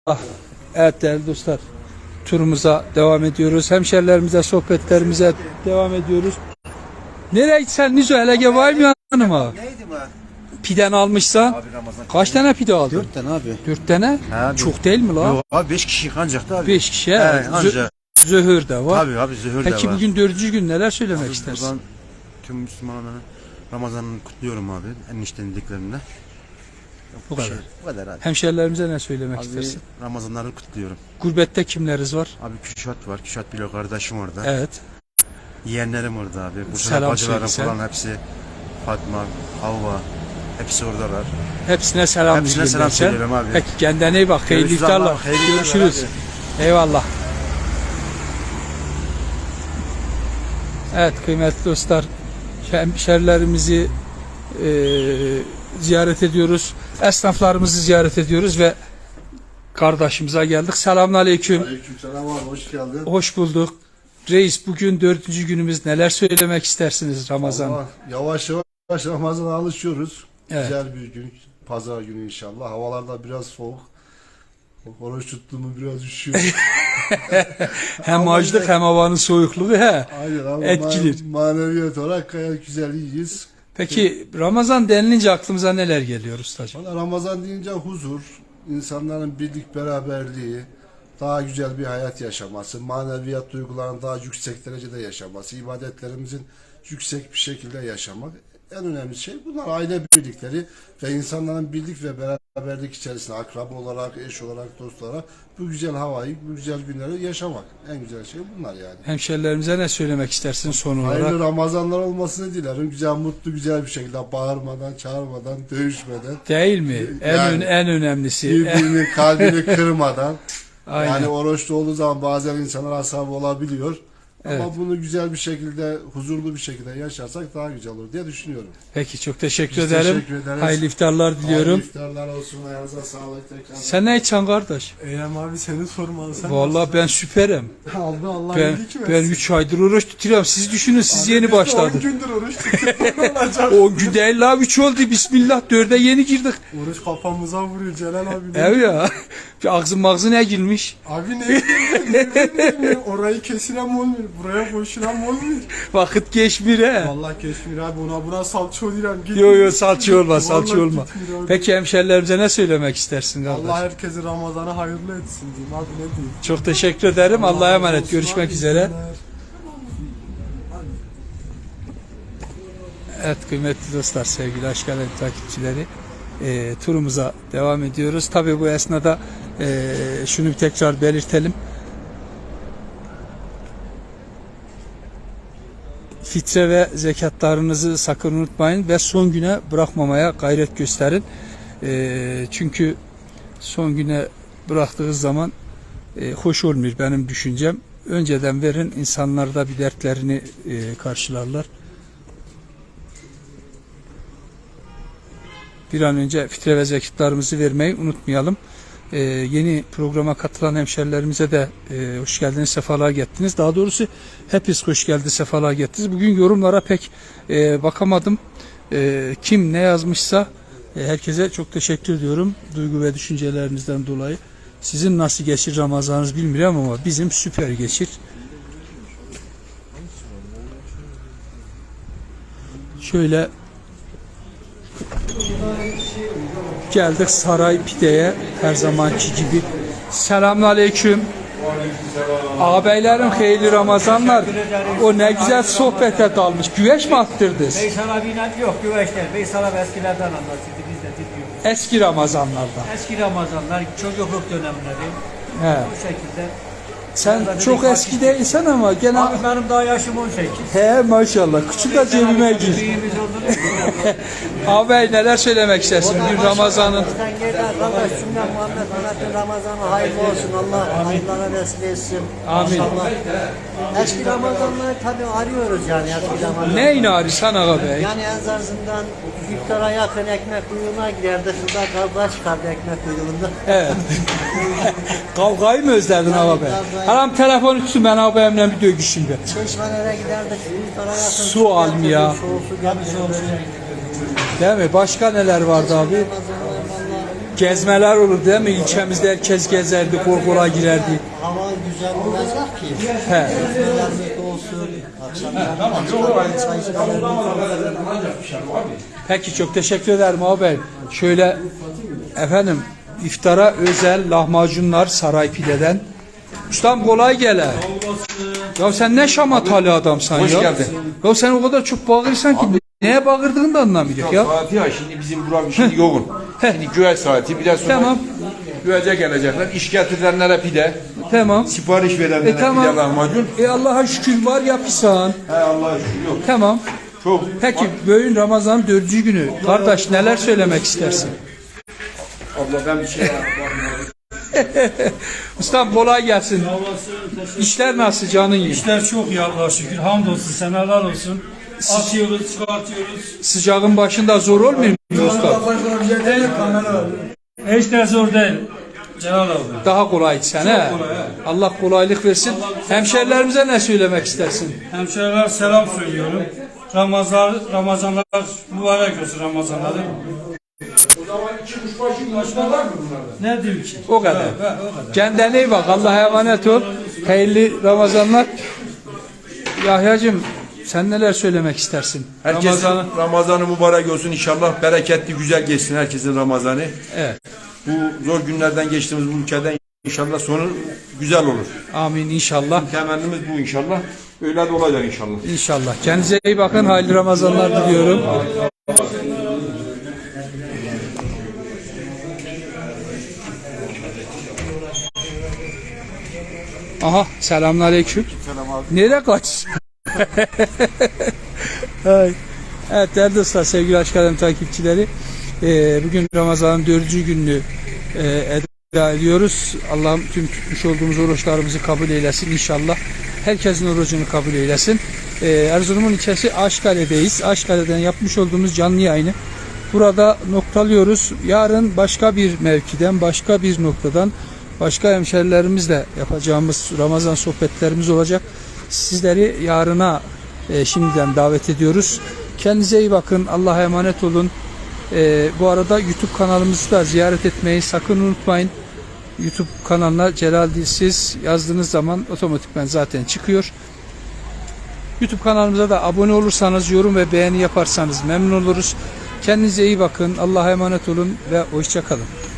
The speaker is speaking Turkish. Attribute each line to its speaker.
Speaker 1: Evet değerli dostlar, turumuza devam ediyoruz. Hemşerilerimize, sohbetlerimize devam ediyoruz. Nereye gitsen Nizo, hele var mı yanıma?
Speaker 2: Neydi bu?
Speaker 1: Piden almışsan
Speaker 2: Abi Ramazan.
Speaker 1: kaç tane pide aldın?
Speaker 2: 4 tane abi.
Speaker 1: 4 tane?
Speaker 2: Abi.
Speaker 1: Çok değil mi lan?
Speaker 2: Yok abi 5 kişi ancak da abi.
Speaker 1: 5 kişi.
Speaker 2: Ancak.
Speaker 1: Zöhür de var.
Speaker 2: Tabii abi zöhür de var.
Speaker 1: Peki bugün 4. gün neler söylemek
Speaker 2: Abi
Speaker 1: istersin?
Speaker 2: buradan tüm Müslümanların Ramazan'ını kutluyorum abi. Eniştenin dediklerinde.
Speaker 1: Bu kadar.
Speaker 2: Bu kadar abi.
Speaker 1: Hemşerilerimize ne söylemek
Speaker 2: Abi
Speaker 1: istersin?
Speaker 2: Ramazan'ları kutluyorum.
Speaker 1: Gurbette kimleriz var?
Speaker 2: Abi Küşat var. Küşat biliyor kardeşim orada.
Speaker 1: Evet.
Speaker 2: Yeğenlerim orada abi. Bursa'da
Speaker 1: Selam
Speaker 2: bacılarım
Speaker 1: söyle
Speaker 2: falan hepsi. Fatma, Havva. Hepsi oradalar.
Speaker 1: Hepsine selam
Speaker 2: Hepsine selam
Speaker 1: sen.
Speaker 2: söylüyorum abi.
Speaker 1: Peki kendine iyi bak. Hayırlı
Speaker 2: Görüşürüz
Speaker 1: iftarlar.
Speaker 2: Allah, hayırlı iftarlar
Speaker 1: Görüşürüz. Eyvallah. Evet kıymetli dostlar, hemşerilerimizi ziyaret ediyoruz. Esnaflarımızı ziyaret ediyoruz ve kardeşimize geldik. Selamünaleyküm.
Speaker 3: Aleykümselam abi, hoş geldin.
Speaker 1: Hoş bulduk. Reis, bugün 4. günümüz, neler söylemek istersiniz Ramazan?
Speaker 3: Allah, yavaş yavaş Ramazan'a alışıyoruz.
Speaker 1: Evet.
Speaker 3: Güzel bir gün. Pazar günü inşallah. Havalarda biraz soğuk. Oruç tuttuğumu biraz üşüyor.
Speaker 1: Hem
Speaker 3: Ama
Speaker 1: açlık hem havanın soğukluğu
Speaker 3: Aynen ama
Speaker 1: etkilir.
Speaker 3: maneviyat olarak gayet güzel iyiyiz.
Speaker 1: Peki Ramazan denilince aklımıza neler geliyor ustacığım?
Speaker 3: Valla Ramazan deyince huzur, insanların birlik beraberliği, daha güzel bir hayat yaşaması, maneviyat duygularının daha yüksek derecede yaşaması, ibadetlerimizin yüksek bir şekilde yaşamak. En önemli şey bunlar, aile birlikleri ve insanların birlik ve beraberlik içerisinde akraba olarak, eş olarak, dost olarak bu güzel havayı, bu güzel günleri yaşamak. En güzel şey bunlar yani.
Speaker 1: Hemşerilerimize ne söylemek istersin son olarak?
Speaker 3: Hayırlı Ramazanlar olmasını dilerim. Güzel, mutlu, güzel bir şekilde bağırmadan, çağırmadan, dövüşmeden.
Speaker 1: Değil mi? En önemlisi.
Speaker 3: Birbirini kalbini kırmadan.
Speaker 1: Aynen.
Speaker 3: Yani oruçlu olduğu zaman bazen insanlar asabı olabiliyor.
Speaker 1: Evet.
Speaker 3: Ama bunu güzel bir şekilde, huzurlu bir şekilde yaşarsak daha güzel olur diye düşünüyorum.
Speaker 1: Peki çok teşekkür
Speaker 3: Biz
Speaker 1: ederim.
Speaker 3: teşekkür ederiz.
Speaker 1: Hayırlı iftarlar diliyorum.
Speaker 3: Hayırlı iftarlar olsun. Ayağınıza sağlık tekrar.
Speaker 1: Sen ne içen kardeş?
Speaker 4: Eylem abi seni sormalı sen.
Speaker 1: Vallahi ben süperim.
Speaker 4: Aldı Allah
Speaker 1: Ben,
Speaker 4: iyilik versin.
Speaker 1: ben 3 aydır oruç tutuyorum. Siz düşünün, siz yeni
Speaker 4: Biz de 10
Speaker 1: başladınız.
Speaker 4: gündür oruç tutuyoruz. Ne olacak?
Speaker 1: 10 gün değil la, 3 oldu. Bismillah, 4'e yeni girdik.
Speaker 4: Oruç kafamıza vuruyor Celal abi.
Speaker 1: Evet ya. Bir ağzın mağzı ne girmiş?
Speaker 4: Abi ne bileyim orayı kesilen olmuyor. Buraya koşulan olmuyor.
Speaker 1: Vakit geçmir he.
Speaker 4: Vallahi Keşmir abi buna salça oluyor.
Speaker 1: Yo salça olma, salça
Speaker 4: Vallahi
Speaker 1: olma.
Speaker 4: gitmiyor abi.
Speaker 1: Peki hemşerilerimize ne söylemek istersin kardeş?
Speaker 4: Allah herkesi Ramazan'ı hayırlı etsin diyeyim abi ne diyeyim.
Speaker 1: Çok teşekkür ederim. Allah'a emanet.
Speaker 4: olsun
Speaker 1: Görüşmek
Speaker 4: abi,
Speaker 1: üzere.
Speaker 4: iyi günler.
Speaker 1: Evet kıymetli dostlar, sevgili Aşk Alem takipçileri, turumuza devam ediyoruz. Tabii bu esnada şunu bir tekrar belirtelim. Fitre ve zekatlarınızı sakın unutmayın ve son güne bırakmamaya gayret gösterin. Çünkü son güne bıraktığınız zaman hoş olmuyor benim düşüncem. Önceden verin, insanlar da bir dertlerini karşılarlar. Bir an önce fitre ve zekatlarımızı vermeyi unutmayalım. Yeni programa katılan hemşerilerimize de hoş geldiniz, sefalar getirdiniz. Daha doğrusu hepiniz hoş geldiniz, sefalar getirdiniz. Bugün yorumlara pek bakamadım. Kim ne yazmışsa herkese çok teşekkür ediyorum. Duygu ve düşüncelerinizden dolayı. Sizin nasıl geçir Ramazanınız bilmiyorum ama bizim süper geçir. Şöyle geldik Saray Pide'ye her zamanki gibi. Selamünaleyküm. Ağabeylerim hayırlı Ramazanlar. O ne güzel sohbete dalmış. Güveç mi attırdınız?
Speaker 5: Veysel abiyle yok güveçler. Veysel abi eskilerden anlatıyordu. Biz de dinliyoruz.
Speaker 1: Eski Ramazanlardan.
Speaker 5: Eski Ramazanlar, çocukluk dönemleri.
Speaker 1: He.
Speaker 5: Bu şekilde.
Speaker 1: Sen çok eski değilsen ama gene...
Speaker 5: Abi benim daha yaşım 18.
Speaker 1: He maşallah. Küçük de cebime gir.
Speaker 5: Büyüğümüz olduğunu
Speaker 1: Ağabey neler söylemek istersin? Bugün Ramazan'ın...
Speaker 6: Sen gel arkadaş cümle Muhammed Mehmet'in Ramazan'ı hayırlı olsun. Allah hayırlara vesile etsin.
Speaker 1: Amin.
Speaker 6: İnşallah. Eski Ramazanları tabii arıyoruz yani eski Ramazan.
Speaker 1: Neyini arıyorsun ağabey?
Speaker 6: Yani en azından iftara yakın ekmek kuyruğuna giderdi. Şurada kavga çıkardı ekmek kuyruğunda.
Speaker 1: Evet. Kavgayı mı özledin ağabey? Haram telefonu tutsun, ben ağabeyimle bir dövüşeyim be.
Speaker 6: Çeşmelere giderdik. İftara yakın.
Speaker 1: Su almıyor ya.
Speaker 6: Soğuk su gelmiş olur.
Speaker 1: Değil mi? Başka neler vardı abi?
Speaker 6: Ramazanlar vallahi
Speaker 1: Gezmeler olur değil mi? İlçemizde herkes gezerdi, korkula girerdi.
Speaker 6: Hava güzel olacak ki.
Speaker 1: He.
Speaker 6: Gezmelerimiz de olsun. Akşamlar çay içmelerimiz olsun.
Speaker 1: Peki çok teşekkür ederim abi. Şöyle efendim iftara özel lahmacunlar Saray Pide'den. Ustam kolay gele. Ya sen ne şamatalı adamsan ya.
Speaker 7: Hoş geldin.
Speaker 1: Ya sen o kadar çok bağırırsan ki neye bağırdığını da anlamıyor ya.
Speaker 7: Saati ya şimdi bizim buram şimdi yoğun. Şimdi güveç saati biraz sonra
Speaker 1: Tamam.
Speaker 7: güvece gelecekler. İş getirenlere pide,
Speaker 1: Tamam.
Speaker 7: sipariş verenlere
Speaker 1: Tamam.
Speaker 7: pide lahmacun.
Speaker 1: Allah'a şükür var ya pisan.
Speaker 7: He Allah'a şükür yok.
Speaker 1: Tamam.
Speaker 7: Çok.
Speaker 1: Peki bugün Ramazan 4. günü. Kardeş neler söylemek istersin?
Speaker 7: Abla ben bir şey
Speaker 1: Ustam kolay gelsin. İşler nasıl canın iyi?
Speaker 8: İşler çok iyi Allah'a şükür. Hamdolsun, senalar olsun. Atıyoruz, çıkartıyoruz.
Speaker 1: Sıcağın başında zor olmuyor mu usta?
Speaker 8: Hiç de zor değil. Celal abi.
Speaker 1: Daha kolay sen he. Allah kolaylık versin. Hemşerilerimize ne söylemek istersin?
Speaker 8: Hemşehriler selam söylüyorum. Ramazanlar mübarek olsun Ramazanları. Ne diyeyim ki?
Speaker 1: O kadar.
Speaker 8: O kadar.
Speaker 1: Kendine iyi bak. Allah'a emanet ol. Hayırlı Ramazanlar. Yahyacığım sen neler söylemek istersin?
Speaker 7: Herkesin Ramazanı mübarek olsun inşallah. Bereketli, güzel geçsin herkesin Ramazanı.
Speaker 1: Evet.
Speaker 7: Bu zor günlerden geçtiğimiz bu ülkeden inşallah sonu güzel olur.
Speaker 1: Amin inşallah.
Speaker 7: Temennimiz bu inşallah. Öyle de olacak inşallah.
Speaker 1: İnşallah. Kendinize iyi bakın. Hayırlı Ramazanlar diliyorum. Aha selamünaleyküm. Selam abi. Nereye kaç? Evet değerli dostlar, sevgili Aşk Alem takipçileri, bugün Ramazan'ın 4. gününü eda ediyoruz. Allah'ım tüm tutmuş olduğumuz oruçlarımızı kabul eylesin inşallah. Herkesin orucunu kabul eylesin. Erzurum'un ilçesi Aşkale'deyiz. Aşkale'den yapmış olduğumuz canlı yayını burada noktalıyoruz. Yarın başka bir mevkiden, başka bir noktadan, başka hemşerilerimizle yapacağımız Ramazan sohbetlerimiz olacak. Sizleri yarına şimdiden davet ediyoruz. Kendinize iyi bakın. Allah'a emanet olun. Bu arada YouTube kanalımızı da ziyaret etmeyi sakın unutmayın. YouTube kanalına Celal Dilsiz yazdığınız zaman otomatikman zaten çıkıyor. YouTube kanalımıza da abone olursanız, yorum ve beğeni yaparsanız memnun oluruz. Kendinize iyi bakın. Allah'a emanet olun ve hoşça kalın.